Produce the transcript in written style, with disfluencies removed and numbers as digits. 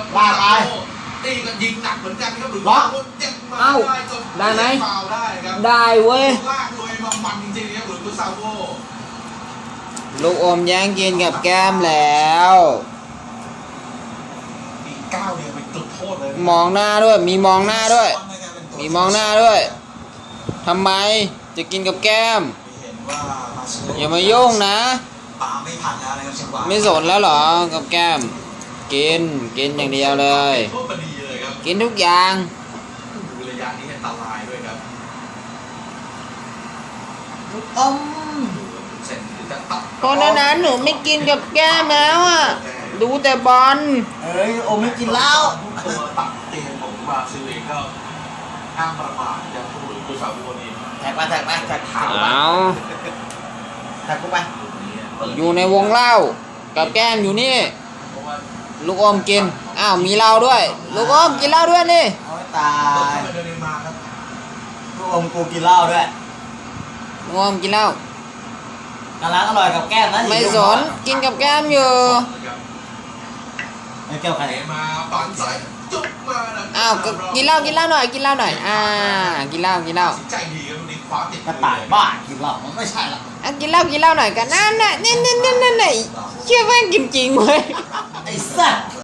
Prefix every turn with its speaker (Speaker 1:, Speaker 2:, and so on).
Speaker 1: ลากไป
Speaker 2: ตีกันยิงหนักเหมือนกันครับหรือ
Speaker 1: ล็อก
Speaker 2: ยังมา
Speaker 3: เอ้า
Speaker 2: ได้จน
Speaker 3: ได้ไหม
Speaker 2: ฟาวได้ครับ
Speaker 3: ได้เว้ย
Speaker 2: ลากเลยมามันจริงๆครับหรือกุซาโว
Speaker 3: ลูกอมแย่งกินกับแก้มแล้ว
Speaker 2: อีกก้าวเดียวเป็นจุดโทษเลย
Speaker 3: มองหน้าด้วย มีมองหน้าด้วย มีมองหน้าด้วยทำไมจะกินกับแก้ม
Speaker 1: เห็นว่ามาเชล
Speaker 3: อย่ามายุ่งนะ
Speaker 1: ปาไม่ทันแล้วนะครับจังหวะ
Speaker 3: ไม่สนแล้วเหรอกับแก้ม กินอย่างเดียวเลย
Speaker 2: โทษพอดีเลยครับ
Speaker 3: กินทุกอย่าง
Speaker 2: ดูระยะนี้อันตรายด้วยครับ
Speaker 1: ลูกอม
Speaker 2: เสร็จจะตัด
Speaker 3: เพราะนั้นหนูไม่กินกับแก้มแล้วอ่ะ ดูแต่บอล
Speaker 1: เอ้ยอมไม่กินเหล้า
Speaker 2: ตัวตัดเตียงของบราซิลเองก็ห้ามประมาทอย่างผู้หรือกุซาโวนี่
Speaker 1: แท็กไปแท็กไปแท็กขาวไป
Speaker 3: เอา
Speaker 1: แท็กกูไป
Speaker 3: อยู่ในวงเล่ากับแก้มอยู่นี่
Speaker 2: เพราะว่า
Speaker 3: ลูกอมกิน อ้าวมีเหล้าด้วย ลูกอมกินเหล้าด้วยนี่
Speaker 1: โอ้ยตา
Speaker 2: ตก
Speaker 1: ย
Speaker 2: เข้าไปเดินเนมาครับ
Speaker 1: ลูกอมกูกินเหล้าด้วย
Speaker 3: ลูกอมกินเหล้าก
Speaker 1: ำลังอร่อยกับแก้มนะ
Speaker 3: ไม่สนกินกับแก้มอยู่
Speaker 1: ไอ้แก้วใคร
Speaker 2: เตะมาปั่นสายจุกมานะ
Speaker 3: อ้าวก็กินเหล้าหน่อยกินเหล้าหน่อยกินเหล้า
Speaker 2: ตัดสินใจดีครับวันนี้คว้าติด
Speaker 1: กระต่ายบ้ากินเหล้ามันไม่ใช่หรอก
Speaker 3: กินเหล้าหน่อยกันนั่นน่ะนี่เชื่อว่ากินจริงเว้ย
Speaker 1: ไอ้สัส